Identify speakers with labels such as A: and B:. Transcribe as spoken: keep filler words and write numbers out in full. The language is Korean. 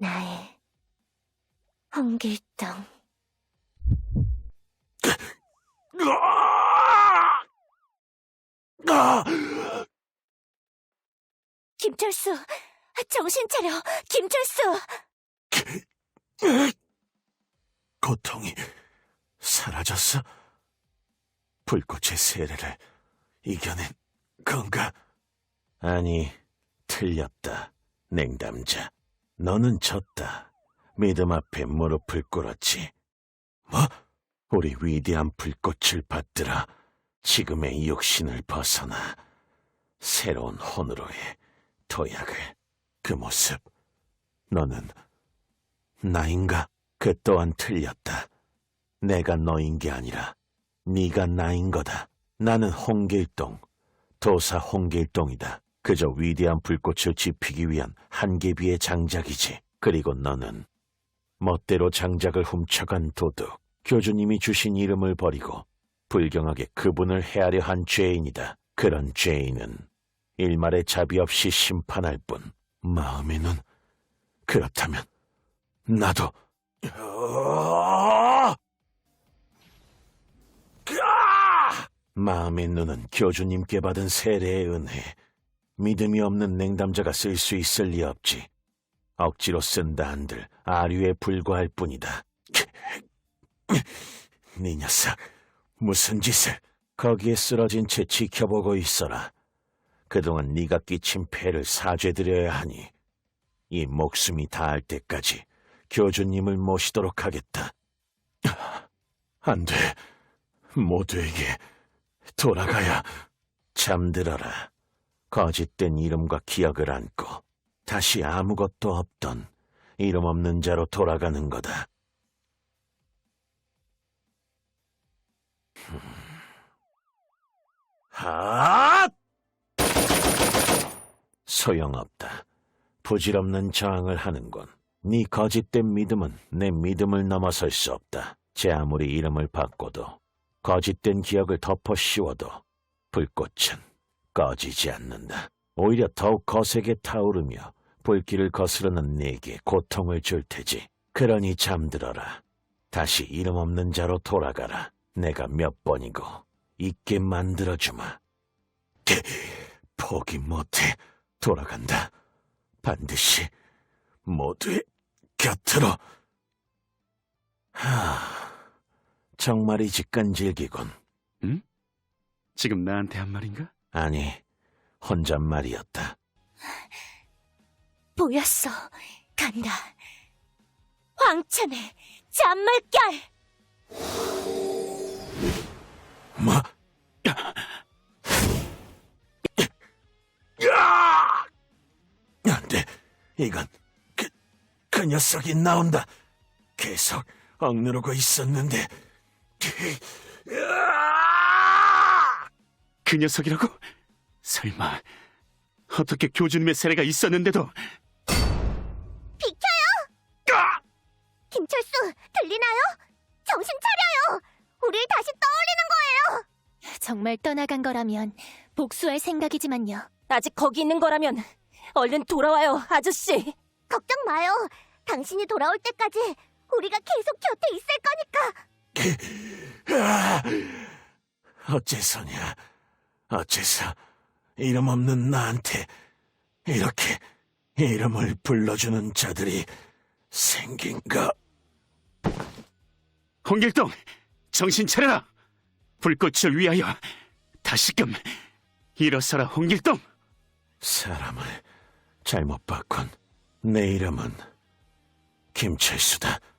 A: 나의 홍길동. 김철수, 정신 차려, 김철수!
B: 고통이 사라졌어? 불꽃의 세례를 이겨낸 건가? 아니, 틀렸다, 냉담자. 너는 졌다. 믿음 앞에 무릎을 꿇었지. 뭐? 우리 위대한 불꽃을 받들어 지금의 육신을 벗어나 새로운 혼으로의 도약을. 그 모습, 너는 나인가? 그 또한 틀렸다. 내가 너인 게 아니라 네가 나인 거다. 나는 홍길동, 도사 홍길동이다. 그저 위대한 불꽃을 지피기 위한 한계비의 장작이지. 그리고 너는 멋대로 장작을 훔쳐간 도둑, 교주님이 주신 이름을 버리고 불경하게 그분을 헤아려 한 죄인이다. 그런 죄인은 일말의 자비 없이 심판할 뿐. 마음에는 그렇다면 나도 마음의 눈은 교주님께 받은 세례의 은혜. 믿음이 없는 냉담자가 쓸 수 있을 리 없지. 억지로 쓴다 한들 아류에 불과할 뿐이다. 네 녀석, 무슨 짓을. 거기에 쓰러진 채 지켜보고 있어라. 그동안 네가 끼친 폐를 사죄드려야 하니 이 목숨이 닿을 때까지 교주님을 모시도록 하겠다. 안 돼. 모두에게 돌아가야. 잠들어라. 거짓된 이름과 기억을 안고 다시 아무것도 없던 이름 없는 자로 돌아가는 거다. 하! 소용없다. 부질없는 저항을 하는군. 네 거짓된 믿음은 내 믿음을 넘어설 수 없다. 제 아무리 이름을 바꿔도 거짓된 기억을 덮어 씌워도 불꽃은 꺼지지 않는다. 오히려 더욱 거세게 타오르며 불길을 거스르는 네게 고통을 줄 테지. 그러니 잠들어라. 다시 이름 없는 자로 돌아가라. 내가 몇 번이고 있게 만들어주마. 포기 못해. 돌아간다. 반드시 모두의 곁으로. 하, 정말이지 끈질기군.
C: 응? 지금 나한테 한 말인가?
B: 아니, 혼잣말이었다.
A: 보였어. 간다. 황천의 잔물결!
B: 뭐? 안 돼. 이건 그, 그 녀석이 나온다. 계속 억누르고 있었는데.
C: 그 녀석이라고? 설마 어떻게 교주님의 세례가 있었는데도?
A: 비켜요! 김철수, 들리나요? 정신 차려요! 우릴 다시 떠올리는 거예요! 정말 떠나간 거라면 복수할 생각이지만요.
D: 아직 거기 있는 거라면 얼른 돌아와요, 아저씨.
A: 걱정 마요. 당신이 돌아올 때까지 우리가 계속 곁에 있을 거니까.
B: 어째서냐? 어째서 이름 없는 나한테 이렇게 이름을 불러주는 자들이 생긴가?
C: 홍길동, 정신 차려라. 불꽃을 위하여 다시금 일어서라, 홍길동.
B: 사람을 잘못 봤군. 내 이름은 김철수다.